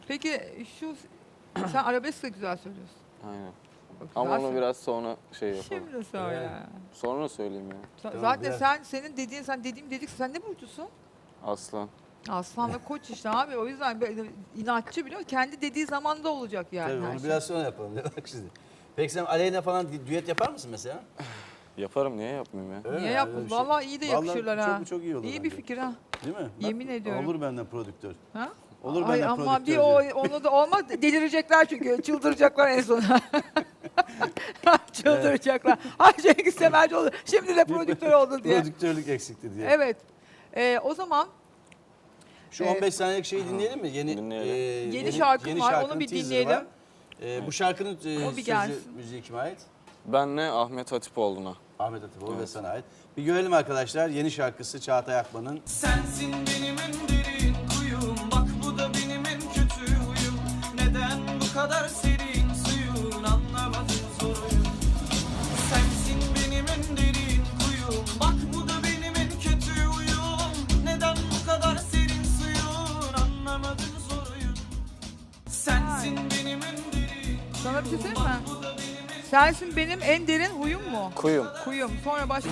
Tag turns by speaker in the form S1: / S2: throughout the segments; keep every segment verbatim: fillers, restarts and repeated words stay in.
S1: Peki şu sen arabesk de güzel söylüyorsun.
S2: Aynen.
S1: Bak,
S2: Ama
S1: güzel
S2: onu
S1: söyle-
S2: biraz sonra şey yapalım.
S1: Şimdi söyle.
S3: Evet.
S2: Sonra söyleyeyim ya.
S1: Sen-
S3: Tamam,
S1: Zaten
S3: biraz-
S1: sen senin dediğin sen dediğim dedik sen ne burcusun?
S2: Aslan.
S1: Aslan ve koç işte abi o yüzden böyle inatçı biliyor musun? Kendi dediği zaman da olacak yani.
S3: Tabii
S1: her
S3: onu
S1: şey.
S3: biraz sonra yapalım. Bak şimdi. Peki sen Aleyna falan düet yapar mısın mesela?
S2: Yaparım, niye yapmayayım ya?
S3: Öyle
S1: Niye
S3: mi?
S1: yapmadın?
S3: Öyle bir şey.
S1: Vallahi iyi de
S3: Vallahi
S1: yakışırlar
S3: çok,
S1: ha.
S3: Çok iyi olur
S1: İyi
S3: bence.
S1: bir fikir ha.
S3: Değil mi?
S1: Yemin ediyorum.
S3: Olur benden prodüktör.
S1: Ha?
S3: Olur
S1: Ay
S3: benden
S1: ama
S3: prodüktör.
S1: bir o,
S3: diyor.
S1: onu da olmaz delirecekler çünkü çıldıracaklar en son. Çıldıracaklar. Ay Cengiz Semerci oldu. Şimdi de prodüktör oldu diye.
S3: Prodüktörlük eksikti diye.
S1: Evet. Ee, o zaman
S3: Şu
S1: Ee,
S3: on beş saniyelik şeyi dinleyelim mi? Yeni
S2: Dinleyelim.
S3: e,
S1: Yeni şarkım var,
S3: şarkının
S1: onu bir
S3: teaser'ı
S1: dinleyelim.
S3: var. E, bu şarkının e,
S1: O bir
S3: sözü,
S1: gelsin.
S3: müziği kime ait?
S2: Benle Ahmet Hatipoğlu'na.
S3: Ahmet Atipoğlu ve sana ait. Bir görelim arkadaşlar. Yeni şarkısı Çağatay Akman'ın.
S4: Sensin benim en derin kuyum. Bak bu da benim en kötü huyum. Neden bu kadar serin suyun, anlamadım soruyum. Sensin benim en derin kuyum. Bak bu da benim en kötü huyum. Neden bu kadar serin suyun, anlamadım soruyum. Sensin benim en derin
S1: sana bir şey söyleyeyim mi? Sensin benim en derin huyum mu?
S2: Kuyum.
S1: Kuyum. Sonra başka?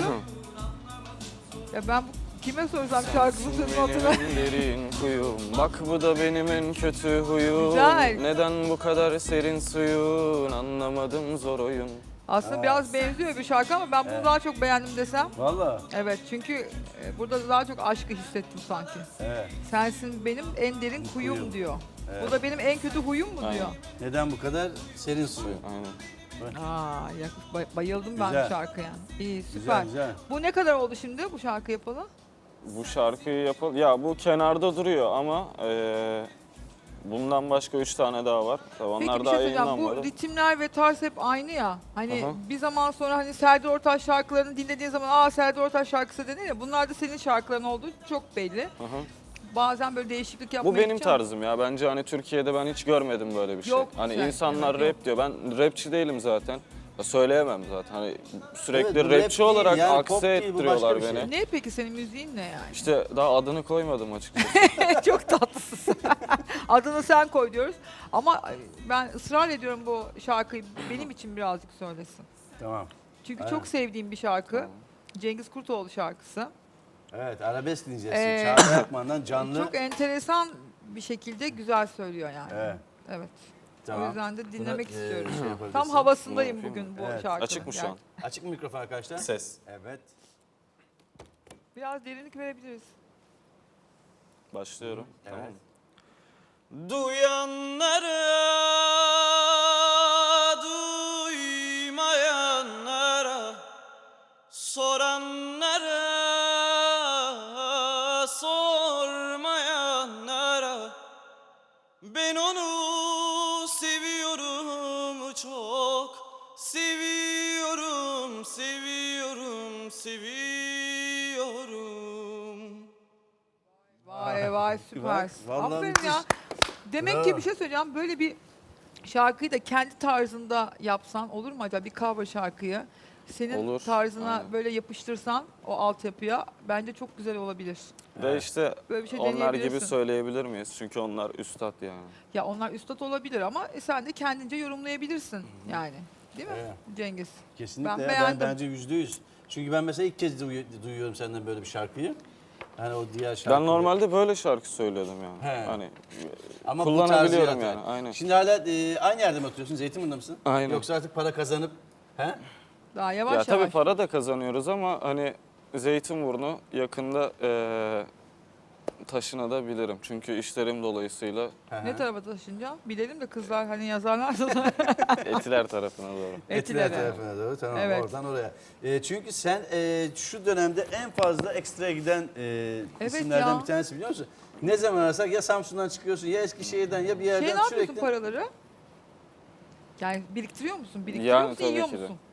S1: Ya ben bu, kime sorsam şarkısını sözünü
S2: Benim
S1: hatırlamıyorum.
S2: en derin kuyum. Bak bu da benim en kötü huyum.
S1: Güzel.
S2: Neden bu kadar serin suyun, anlamadım zor oyun.
S1: Aslında biraz benziyor bir şarkı ama ben bunu daha çok beğendim desem.
S3: Valla.
S1: Evet çünkü e, burada daha çok aşkı hissettim sanki.
S3: Evet.
S1: Sensin benim en derin kuyum
S3: Kuyum.
S1: diyor.
S3: Evet.
S1: Bu da benim en kötü huyum mu
S2: Aynen.
S1: diyor.
S3: Neden bu kadar serin suyu?
S2: Aynen.
S1: Aa, ya, bay- bayıldım ben
S3: Güzel.
S1: bu şarkıya. İyi süper.
S3: Güzel güzel.
S1: Bu ne kadar oldu şimdi bu şarkı yapalı?
S2: Bu şarkıyı yapalım. Ya bu kenarda duruyor ama eee, bundan başka üç tane daha var. Tabii onlar
S1: Peki bir
S2: daha
S1: şey söyleyeceğim. Bu
S2: yayınlanmadı.
S1: ritimler ve tarz hep aynı ya. Hani
S2: Aha.
S1: bir zaman sonra hani Serdar Ortaç şarkılarını dinlediğin zaman aa Serdar Ortaç şarkısı denir ya. Bunlar da senin şarkıların olduğu çok belli.
S2: Aha.
S1: Bazen böyle değişiklik yapmaya
S2: Bu benim
S1: gideceğim.
S2: tarzım ya. Bence hani Türkiye'de ben hiç görmedim böyle bir şey.
S1: Yok,
S2: hani
S1: güzel.
S2: insanlar
S1: Evet,
S2: rap diyor. Ben rapçi değilim zaten. Ya söyleyemem zaten. Hani sürekli
S3: Evet, bu rap
S2: rapçi
S3: değil,
S2: olarak
S3: yani pop
S2: akse
S3: değil, bu
S2: ettiriyorlar
S3: başka bir
S2: beni.
S3: şey.
S1: Ne peki senin müziğin ne yani?
S2: İşte daha adını koymadım açıkçası.
S1: Çok tatlısın. Adını sen koy diyoruz. Ama ben ısrar ediyorum bu şarkıyı benim için birazcık söylesin.
S3: Tamam.
S1: Çünkü
S3: Aynen.
S1: çok sevdiğim bir şarkı. Cengiz Kurtoğlu şarkısı.
S3: Evet, arabesk dinleyeceğiz.
S1: Ee,
S3: Çağatay Akman'dan canlı.
S1: Çok enteresan bir şekilde güzel söylüyor yani.
S3: Evet.
S1: Evet.
S3: Tamam.
S1: O yüzden de dinlemek
S3: Buna, e,
S1: istiyorum.
S3: şey yapabilirsin.
S1: Tam havasındayım
S2: Bunu
S1: bugün bu
S3: Evet.
S1: şarkının.
S2: Açık mı şu
S1: Yani
S2: an?
S3: Açık mı mikrofon arkadaşlar?
S2: Ses.
S3: Evet.
S1: Biraz derinlik verebiliriz.
S2: Başlıyorum.
S3: Evet.
S2: Tamam mı?
S4: Duyanlara, duymayanlara, soranlara, sormayanlara, ben onu seviyorum çok, seviyorum, seviyorum, seviyorum.
S1: Vay vay süpersin.
S3: Vallahi
S1: Aferin
S3: müthiş.
S1: ya. Demek
S3: Bravo.
S1: ki bir şey söyleyeceğim. Böyle bir şarkıyı da kendi tarzında yapsan olur mu acaba? Bir cover şarkıyı. Senin
S2: Olur,
S1: tarzına
S2: aynen.
S1: böyle yapıştırsan o altyapıya bence çok güzel olabilir.
S2: Ve işte
S1: Böyle bir şey
S2: onlar gibi
S1: deneyebilirsin.
S2: söyleyebilir miyiz? Çünkü onlar üstad yani.
S1: Ya onlar üstad olabilir ama e, sen de kendince yorumlayabilirsin yani. Değil mi
S3: Evet.
S1: Cengiz?
S3: Kesinlikle.
S1: Ben
S3: Ben,
S1: beğendim.
S3: ben bence yüzde yüz. Çünkü ben mesela ilk kez duyu- duyuyorum senden böyle bir şarkıyı. Hani o diğer şarkı.
S2: Ben normalde böyle şarkı söylüyordum yani.
S3: He.
S2: Hani
S3: Ama bu tarzı
S2: kullanabiliyorum
S3: yaratan.
S2: yani. Aynen.
S3: Şimdi hala e, aynı yerde mi oturuyorsun? Zeytinburnu'nda mısın?
S2: Aynen.
S3: Yoksa artık para kazanıp he?
S1: Daha yavaş
S2: Ya
S1: yavaş.
S2: tabii para da kazanıyoruz ama hani Zeytinburnu yakında eee taşınabilirim. Çünkü işlerim dolayısıyla
S3: Hı hı.
S1: Ne tarafa taşınacağım? Bilelim de kızlar hani yazarlar da.
S2: Etiler tarafına doğru.
S3: Etiler
S1: Etiler'e.
S3: tarafına doğru. Tamam
S1: Evet.
S3: oradan oraya. E, çünkü sen e, şu dönemde en fazla ekstra giden e,
S1: Evet
S3: isimlerden
S1: ya.
S3: bir tanesi biliyor musun? Ne zaman arasak ya Samsun'dan çıkıyorsun ya Eskişehir'den ya bir yerden
S1: Şey ne yapıyorsun
S3: sürekli.
S1: paraları? Yani biriktiriyor musun? Biriktiriyor
S2: Yani
S1: musun?
S2: tabii
S1: Yiyor
S2: ki de.
S1: musun?